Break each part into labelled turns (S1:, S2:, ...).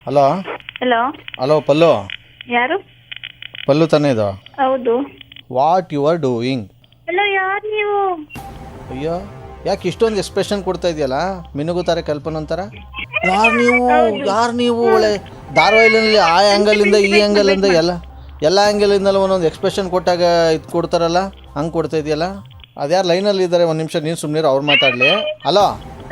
S1: Hello
S2: hello
S1: hello Pallu.
S2: ಯಾರು?
S1: ಪಲ್ಲು ತಾನೇ ಇದು?
S2: ಹೌದು.
S1: What you are doing?
S2: Hello, ಯಾರು ನೀವು?
S1: ಅಯ್ಯೋ, ಯಾಕೆ ಇಷ್ಟೊಂದು ಎಕ್ಸ್ಪ್ರೆಷನ್ ಕೊಡ್ತಾ ಇದೆಯಲ್ಲ, ಮಿನುಗುತ್ತಾರೆ ಕಲ್ಪನಂತರ. ಯಾರು ನೀವು ಒಳ್ಳೆ ಧಾರಾವಾಹಿನಲ್ಲಿ ಆ ಆ್ಯಂಗಲಿಂದ ಈ ಆ್ಯಂಗಲಿಂದ ಎಲ್ಲ ಆ್ಯಂಗಲಿಂದಲೂ ಒಂದೊಂದು ಎಕ್ಸ್ಪ್ರೆಷನ್ ಕೊಟ್ಟಾಗ ಇದು ಕೊಡ್ತಾರಲ್ಲ, ಹಂಗೆ ಕೊಡ್ತಾ ಇದೆಯಲ್ಲ. ಅದ್ಯಾರು ಲೈನಲ್ಲಿ ಇದ್ದಾರೆ, ಒಂದು ನಿಮಿಷ ನೀನು ಸುಮ್ಮನೆ ಅವ್ರು ಮಾತಾಡಲಿ. ಹಲೋ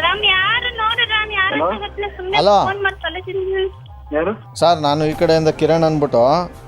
S1: ಹಲೋ
S3: ಯಾರು
S1: ಸರ್, ನಾನು ಈ ಕಡೆಯಿಂದ ಕಿರಣ್ ಅಂದ್ಬಿಟ್ಟು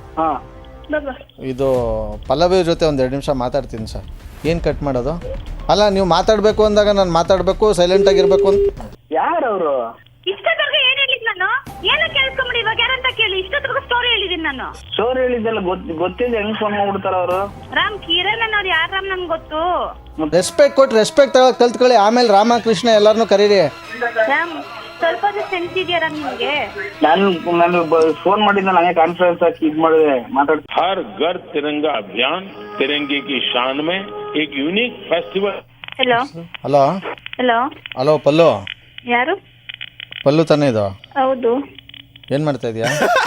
S1: ಇದು ಪಲ್ಲವಿ ಜೊತೆ ಒಂದು 2 ನಿಮಿಷ ಮಾತಾಡ್ತೀನಿ ಸರ್. ಏನು ಕಟ್ ಮಾಡೋದು? ಅಲ್ಲ, ನೀವು ಮಾತಾಡಬೇಕು ಅಂದಾಗ ನಾನು ಮಾತಾಡಬೇಕು, ಸೈಲೆಂಟಾಗಿರ್ಬೇಕು ಅಂತ.
S3: ಯಾರು ಅವರು?
S2: ಇಷ್ಟೊತ್ತವರೆಗೂ ಏನು ಹೇಳಿದ್ ನಾನು? ಏನೋ ಕೇಳಿಸ್ಕೊಂಬಿಡಿ, ಇವಾಗ ಯಾರಂತ ಕೇಳಿ. ಇಷ್ಟೊತ್ತವರೆಗೂ ಸ್ಟೋರಿ ಹೇಳಿದೀನಿ ನಾನು.
S3: ಸ್ಟೋರಿ ಹೇಳಿದ್ದೆಲ್ಲ ಗೊತ್ತಿಲ್ಲ, ಹೆಂಗ್ ಫೋನ್ ಮಾಡ್ಬಿಡ್ತಾರ ಅವರು?
S2: ರಾಮ್ ಕಿರಣ್ ಅನ್ನೋರು ಯಾರು ರಾಮ್? ನನ್ಗೆ ಗೊತ್ತು.
S1: ರೆಸ್ಪೆಕ್ಟ್ ಕೊಟ್ಟು ರೆಸ್ಪೆಕ್ಟ್ ತಗೊಳಕ್ ಕಲ್ತ್ಕೊಳ್ಳಿ. ಆಮೇಲೆ ರಾಮಕೃಷ್ಣ ಎಲ್ಲರನ್ನೂ ಕರೀರಿ.
S2: ರಾಮ್, ಸ್ವಲ್ಪ ಸೆನ್ಸ್ ಇದೆಯಾ ರಾಮ್ ನಿಮ್ಗೆ?
S3: ನಾನು ಫೋನ್ ಮಾಡಿದ್ದ ನನಗೆ ಕಾನ್ಫರೆನ್ಸ್ ಹಾಕಿ ಇದು ಮಾಡಿದೆ ಮಾತಾಡ್ತೀನಿ.
S4: हर घर तिरंगा अभियान तिरंगे की शान में एक unique festival.
S2: Hello
S1: hello
S2: hello
S1: hello Pallu.
S2: ಯಾರು?
S1: ಪಲ್ಲು ತಾನೇ ಇದು?
S2: ಹೌದು.
S1: ಏನು ಮಾಡ್ತಾ ಇದೆಯಾ?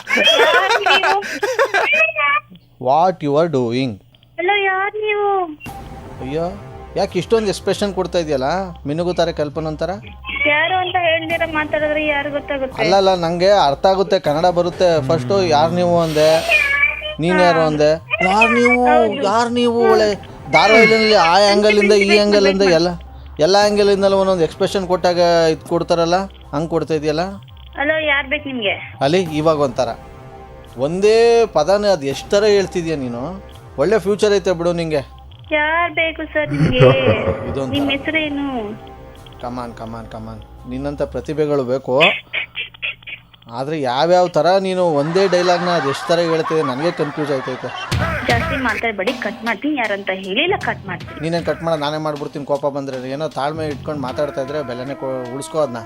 S1: What you are doing?
S2: Hello, ಯಾರು ನೀವು?
S1: ಅಯ್ಯೋ, ಯಾಕೆ ಇಷ್ಟೊಂದು ಎಕ್ಸ್ಪ್ರೆಷನ್ ಕೊಡ್ತಾ ಇದೆಯಲ್ಲ, ಮಿನುಗುತ್ತಾರೆ ಕಲ್ಪನಂತರ.
S2: ಯಾರು ಅಂತ ಹೇಳ್ದಿರ ಮಾತಾಡಿದ್ರೆ ಯಾರು ಗೊತ್ತಾಗುತ್ತೆ?
S1: ಅಲ್ಲ, ನನಗೆ ಅರ್ಥ ಆಗುತ್ತೆ, ಕನ್ನಡ ಬರುತ್ತೆ. ಫಸ್ಟು ಯಾರು ನೀವು ಅಂದೆ, ನೀನು ಯಾರು ಅಂದೆ. ಯಾರು ನೀವು ಒಳ್ಳೆ ಧಾರಾವಾಹಿನಲ್ಲಿ ಆ ಆ್ಯಂಗಲಿಂದ ಈ ಆ್ಯಂಗಲಿಂದ ಎಲ್ಲ ಆ್ಯಂಗಲಿಂದಲೂ ಒಂದೊಂದು ಎಕ್ಸ್ಪ್ರೆಷನ್ ಕೊಟ್ಟಾಗ ಇದು ಕೊಡ್ತಾರಲ್ಲ, ಹಂಗೆ ಕೊಡ್ತಾ ಇದೆಯಲ್ಲ.
S2: ಹಲೋ, ಯಾರು ಬೇಕು ನಿಮಗೆ?
S1: ಅಲ್ಲಿ ಇವಾಗ ಒಂಥರ ಒಂದೇ ಪದನೇ ಅದು ಎಷ್ಟು ಥರ ಹೇಳ್ತಿದ್ಯಾ ನೀನು. ಒಳ್ಳೆ ಫ್ಯೂಚರ್ ಐತೆ ಬಿಡು ನಿಂಗೆ.
S2: ಯಾರು ಬೇಕು ಸರ್ ನಿಮಗೆ?
S1: ಇದೊಂದು
S2: ನಿಮ್ಮ ಹೆಸರೇನು?
S1: ಕಮಾನ್ ನಿನ್ನಂಥ ಪ್ರತಿಭೆಗಳು ಬೇಕು. ಆದರೆ ಯಾವ್ಯಾವ ಥರ ನೀನು ಒಂದೇ ಡೈಲಾಗ್ನ ಅದು ಎಷ್ಟು ಥರ ಹೇಳ್ತಿದೆ, ನನಗೆ ಕನ್ಫ್ಯೂಸ್ ಆಯ್ತೈತೆ.
S2: ಜಾಸ್ತಿ ಮಾತಾಡಬೇಡಿ, ಕಟ್ ಮಾಡ್ತೀನಿ. ಯಾರಂತ ಹೇಳಿಲ್ಲ, ಕಟ್ ಮಾಡ್ತೀನಿ.
S1: ನೀನೇನು ಕಟ್ ಮಾಡೋದು, ನಾನೇ ಮಾಡ್ಬಿಡ್ತೀನಿ. ಕೋಪ ಬಂದರೆ ಏನೋ ತಾಳ್ಮೆ ಇಟ್ಕೊಂಡು ಮಾತಾಡ್ತಾ ಇದ್ರೆ ಬೆಲೆನೇ ಉಳಿಸ್ಕೋ ಅದನ್ನ.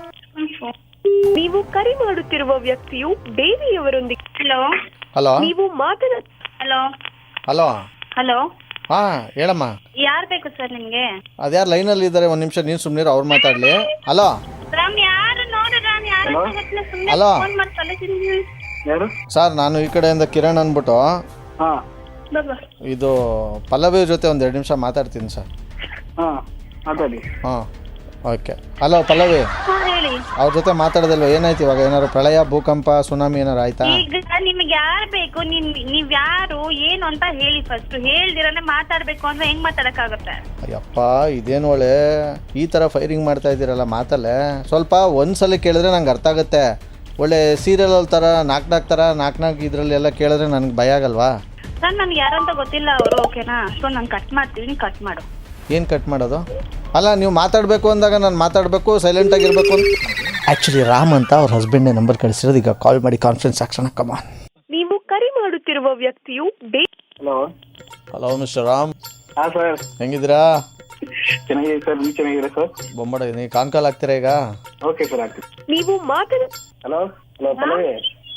S5: ನೀವು ಕರೆ ಮಾಡುತ್ತಿರುವ ವ್ಯಕ್ತಿಯು ಬೇರೆಯವರೊಂದಿಗೆ.
S2: ಹಲೋ
S1: ಹಲೋ
S5: ನೀವು
S2: ಹಲೋ
S1: ಹಲೋ
S2: ಹಲೋ
S1: ಹಾಂ ಹೇಳಮ್ಮ.
S2: ಯಾರು ಬೇಕು ಸರ್ ನಿಮ್ಗೆ?
S1: ಅದ್ಯಾರು ಲೈನಲ್ಲಿ ಇದ್ದಾರೆ, ಒಂದು ನಿಮಿಷ ನೀನು ಸುಮ್ಮನೆ ಅವ್ರು ಮಾತಾಡಲಿ. ಹಲೋ
S2: ರಾಮ್, ಯಾರು ನೋಡು ರಾಮ್, ಯಾರು ಸುಮ್ಮನೆ
S1: ಹಲೋ
S2: ಫೋನ್ ಮಾಡಿ ಕಳಿಸಿದ್ದೀನಿ.
S3: ಯಾರು?
S1: ಸರ್, ನಾನು ಈ ಕಡೆಯಿಂದ ಕಿರಣ್ ಅಂದ್ಬಿಟ್ಟು
S3: ಹಾ
S1: ಇದು ಪಲ್ಲವಿ ಜೊತೆ ಒಂದು 2 ನಿಮಿಷ ಮಾತಾಡ್ತೀನಿ ಸರ್.
S3: ಹಾ ಮಾತಾಡಿ.
S1: ಹಾಂ ಓಕೆ. ಹಲೋ ಪಲ್ಲವಿ,
S2: ಹೇಳಿ.
S1: ಅವ್ರ ಜೊತೆ ಮಾತಾಡೋದಲ್ವ? ಏನಾಯ್ತು ಇವಾಗ? ಏನಾರು ಪ್ರಳಯ, ಭೂಕಂಪ, ಸುನಾಮಿ ಏನಾರು ಆಯ್ತಾ?
S2: ಈಗ ನಿಮ್ಗೆ ಯಾರು ಬೇಕು? ನೀವ್ ಯಾರು ಏನು ಅಂತ ಹೇಳಿ ಫಸ್ಟ್. ಹೇಳ್ದಿರನೆ ಮಾತಾಡ್ಬೇಕು ಅಂದ್ರೆ ಹೆಂಗ್ ಮಾತಾಡಕ್ಕಾಗುತ್ತೆ?
S1: ಅಯ್ಯಪ್ಪ, ಇದೇನು ಒಳ್ಳೆ ಈ ಥರ ಫೈರಿಂಗ್ ಮಾಡ್ತಾ ಇದ್ದೀರಲ್ಲ ಮಾತಲ್ಲೇ. ಸ್ವಲ್ಪ ಒಂದ್ಸಲ ಕೇಳಿದ್ರೆ ನಂಗೆ ಅರ್ಥ ಆಗುತ್ತೆ. ಒಳ್ಳೆ ಸೀರಿಯಲ್ ಥರ ನಾಲ್ಕು ಇದರಲ್ಲಿ ಎಲ್ಲ ಕೇಳಿದ್ರೆ ನನಗೆ ಭಯ ಆಗಲ್ವಾ?
S2: ಸರ್, ನನ್ಗೆ ಯಾರು ಅಂತ ಗೊತ್ತಿಲ್ಲ ಅವರು, ಓಕೆನಾ? ಸೊ ನಾನು ಕಟ್ ಮಾಡ್ತೀನಿ, ಕಟ್ ಮಾಡು.
S1: ಏನು ಕಟ್ ಮಾಡೋದು? ಅಲ್ಲ, ನೀವು ಮಾತಾಡಬೇಕು ಅಂದಾಗ ನಾನು ಮಾತಾಡಬೇಕು, ಸೈಲೆಂಟಾಗಿರ್ಬೇಕು ಅಂತ. ಆ್ಯಕ್ಚುಲಿ ರಾಮ್ ಅಂತ ಅವ್ರ ಹಸ್ಬೆಂಡ್ನೇ ನಂಬರ್ ಕಳಿಸಿರೋದು. ಈಗ ಕಾಲ್ ಮಾಡಿ ಕಾನ್ಫರೆನ್ಸ್ ಹಾಕ್ಸೋಣ. ಕಮಾನ್.
S5: ನೀವು ಕರೆ ಮಾಡುತ್ತಿರುವ ವ್ಯಕ್ತಿಯು
S3: ಹಲೋ
S1: ಹಲೋ ಮಿಸ್ಟರ್ ರಾಮ್.
S3: ಹಾ ಸರ್,
S1: ಹೆಂಗಿದ್ದೀರಾ?
S3: ಚೆನ್ನಾಗಿದೆ ಸರ್. ನೀವು ಚೆನ್ನಾಗಿದ್ದೀರಾ ಸರ್?
S1: ಬೊಂಬಡ, ನೀವು ಕಾಲ್ ಆಗ್ತೀರಾ ಈಗ?
S3: ಓಕೆ ಸರ್, ಆಗ್ತೀವಿ.
S5: ನೀವು
S3: ಹಲೋ ಹಲೋ ಪಲ್ಲವಿ.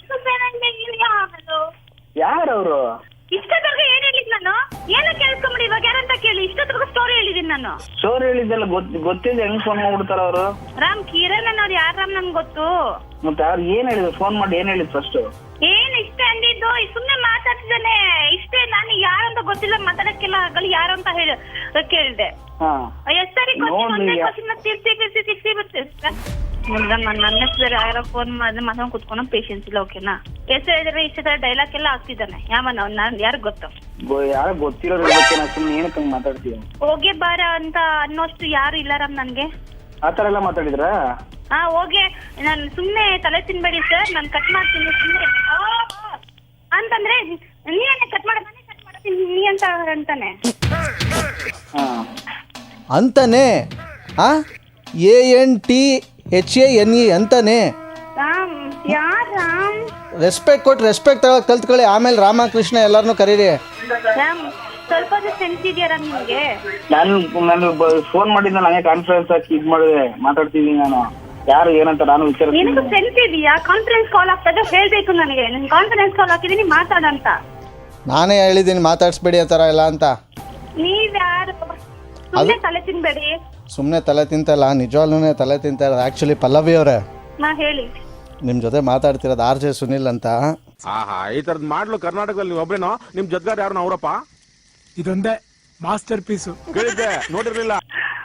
S3: ಯಾರು ಅವರು?
S2: ಇಷ್ಟೊತ್ತವರೆಗೂ ಏನು ಹೇಳಿದ್ ನಾನು? ಏನೋ ಕೇಳಿಸ್ಕೊಂಬಿಡಿ, ಇವಾಗ ಯಾರಂತ ಕೇಳಿ. ಇಷ್ಟೊತ್ತವರೆಗೂ ಸ್ಟೋರಿ ಹೇಳಿದೀನಿ ನಾನು.
S3: ಸ್ಟೋರಿ ಹೇಳಿದ್ದೆಲ್ಲ ಗೊತ್ತಿಲ್ಲ, ಹೆಂಗ್ ಫೋನ್ ಮಾಡ್ಬಿಡ್ತಾರ ಅವರು?
S2: ರಾಮ್ ಕಿರಣ್ ಅನ್ನೋರು ಯಾರು ರಾಮ್? ನನ್ಗೆ ಗೊತ್ತು.
S3: ಮತ್ತೆ ಅವ್ರು ಏನ್ ಹೇಳಿದ್ರು? ಫೋನ್ ಮಾಡಿ ಏನ್ ಹೇಳಿದ್ ಫಸ್ಟ್?
S2: ಏನ್ ಇಷ್ಟೇ ಅಂದಿದ್ದು? ಸುಮ್ನೆ ಮಾತಾಡ್ತಿದ್ದಾನೆ ಇಷ್ಟೇ. ನಾನು ಯಾರಂತ ಗೊತ್ತಿಲ್ಲ, ಮಾತಾಡಕ್ಕೆಲ್ಲ ಆಗಲ್ಲ. ಯಾರು ಅಂತ ಕೇಳಿದೆ.
S3: ಹಾ
S2: ಎಷ್ಟು ಸರಿ ನನ್ನ ಹೆಸರು ಯಾರೋ ಫೋನ್ ಮಾಡಿದ್ರೆ ಮಾತಾಡ್ ಕುತ್ಕೊಂಡು ಪೇಷನ್ಸ್ ಇಲ್ಲ, ಓಕೆನಾ? ಎಷ್ಟು ಹೇಳಿದ್ರೆ ಇಷ್ಟ ತರ ಡೈಲಾಗ್ ಎಲ್ಲ ಆಗ್ತಿದ್ದಾನೆ. ನಾನು ಯಾರು ಗೊತ್ತು?
S3: ಯಾರು ಗೊತ್ತಿರೋದ್ರ ಬಗ್ಗೆ ನಾ ಸುಮ್ಮನೆ ಏನಕ್ಕೆ ಹಂಗೆ ಮಾತಾಡ್ತೀವಿ?
S2: ಹೋಗೆ ಬಾರ ಅಂತ ಅನ್ನೋಷ್ಟು ಯಾರು ಇಲ್ಲ ರಾಮ್ ನನ್ಗೆ.
S3: ಆ ಥರ ಎಲ್ಲ ಮಾತಾಡಿದ್ರಾ?
S2: ಹಾ, ಹೋಗೆ. ನಾನು ಸುಮ್ನೆ ತಲೆ ತಿನ್ಬೇಡಿ ಸರ್, ನಾನು ಕಟ್ ಮಾಡ್ತೀನಿ ಸುಮ್ಮನೆ ಅಂತಂದ್ರೆ ನೀನೇ ಕಟ್ ಮಾಡ್ತೀನಿ ನೀ ಅಂತ ಅಂತಾನೆ.
S1: ಅಂತಾನೆ? ANTHANE ಅಂತಾನೆ?
S2: ರಾಮ್ ಯಾರ್ ರಾಮ್?
S1: ರೆಸ್ಪೆಕ್ಟ್ ಕೊಟ್ಟು ರೆಸ್ಪೆಕ್ಟ್ ತಗೊಳಕ್ ಕಲ್ತ್ಕೊಳ್ಳಿ. ಆಮೇಲೆ ರಾಮಕೃಷ್ಣ ಎಲ್ಲರನ್ನೂ ಕರೀರಿ.
S2: ರಾಮ್, ಸ್ವಲ್ಪ ಸೆನ್ಸ್ ಇದೆಯಾ ರಾಮ್ ನಿಮ್ಗೆ?
S3: ನಾನು ಫೋನ್ ಮಾಡಿದ್ದ ನನಗೆ ಕಾನ್ಫರೆನ್ಸ್ ಹಾಕಿ ಇದು ಮಾಡಿದೆ ಮಾತಾಡ್ತಿದ್ದೀನಿ. ನಾನು ಯಾರು ಏನಂತ ನಾನು ವಿಚಾರ.
S2: ನಿನಗೆ ಸೆನ್ಸ್ ಇದೆಯಾ? ಕಾನ್ಫರೆನ್ಸ್ ಕಾಲ್ ಆಗ್ತದೆ ಹೇಳ್ಬೇಕು ನನಗೆ. ನಾನು ಕಾನ್ಫರೆನ್ಸ್ ಕಾಲ್ ಹಾಕಿದ್ದೀನಿ, ಮಾತಾಡಂತ.
S1: ನಾನೇ ಹೇಳಿದ್ದೀನಿ ಮಾತಾಡಿಸ್ಬೇಡಿ ಆ ಥರ ಎಲ್ಲ ಅಂತ.
S2: ನೀವ್ಯಾರು? ಸುಮ್ಮನೆ ತಲೆ ತಿನ್ಬೇಡಿ.
S1: ಸುಮ್ಮನೆ ತಲೆ ತಿಂತಲ್ಲ, ನಿಜವಾಗ್ಲೂ ತಲೆ ತಿಂತಾ ಇರೋದು. ಆ್ಯಕ್ಚುಲಿ ಪಲ್ಲವಿ ಅವರೇ,
S2: ನಾ ಹೇಳಿ.
S1: ನಿಮ್ಮ ಜೊತೆ ಮಾತಾಡ್ತಿರೋದು ಆರ್ ಜೆ ಸುನಿಲ್ ಅಂತ.
S6: ಆಹಾ, ಈ ತರದ್ ಮಾಡ್ಲು ಕರ್ನಾಟಕದಲ್ಲಿ ನೀವು ಒಬ್ರೇನೋ? ನಿಮ್ ಜೊತೆಗಾರ ಯಾರು ಅವರಪ್ಪ?
S7: ಇದೊಂದೇ ಮಾಸ್ಟರ್ ಪೀಸು.
S6: ಕೇಳಿದ್ದೆ, ನೋಡಿರ್ಲಿಲ್ಲ.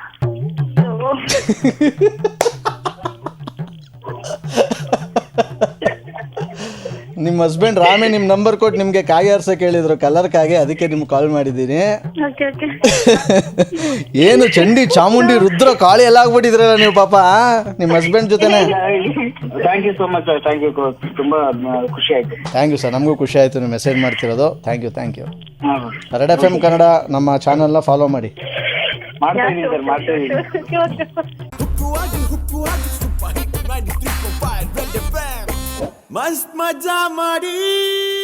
S1: ನಿಮ್ಮ ಹಸ್ಬೆಂಡ್ ರಾಮೇ ನಿಮ್ಮ ನಂಬರ್ ಕೊಟ್ಟು ನಿಮಗೆ ಕಾಗೆ ಆರ್ಸಕ್ಕೆ ಹೇಳಿದ್ರು, ಕಲರ್ ಕಾಗೆ, ಅದಕ್ಕೆ ನಿಮ್ಗೆ ಕಾಲ್ ಮಾಡಿದ್ದೀನಿ.
S2: Okay okay.
S1: ಏನು ಚಂಡಿ ಚಾಮುಂಡಿ ರುದ್ರ ಕಾಳಿ ಎಲ್ಲ ಆಗ್ಬಿಟ್ಟಿದ್ರಲ್ಲ ನೀವು ಪಾಪ ನಿಮ್ಮ ಹಸ್ಬೆಂಡ್ ಜೊತೆನೆ.
S3: Thank you so much sir, thank you, ತುಂಬಾ ಖುಷಿ ಆಯ್ತು.
S1: ಥ್ಯಾಂಕ್ ಯು ಸರ್, ನಮಗೂ ಖುಷಿ ಆಯಿತು ನೀವು ಮೆಸೇಜ್ ಮಾಡ್ತಿರೋದು. Thank you thank you.
S3: ಹಾಂ
S1: ರೆಡ್ ಎಫ್ ಎಮ್ ಕನ್ನಡ ನಮ್ಮ ಚಾನಲ್ನ ಫಾಲೋ ಮಾಡಿ.
S3: ಮಾಡ್ತಾ ಇದ್ದೀನಿ ಸರ್, ಮಾಡ್ತಾ ಇದ್ದೀನಿ.
S8: ಮಸ್ತ್ ಮಜಾ ಮಾಡಿ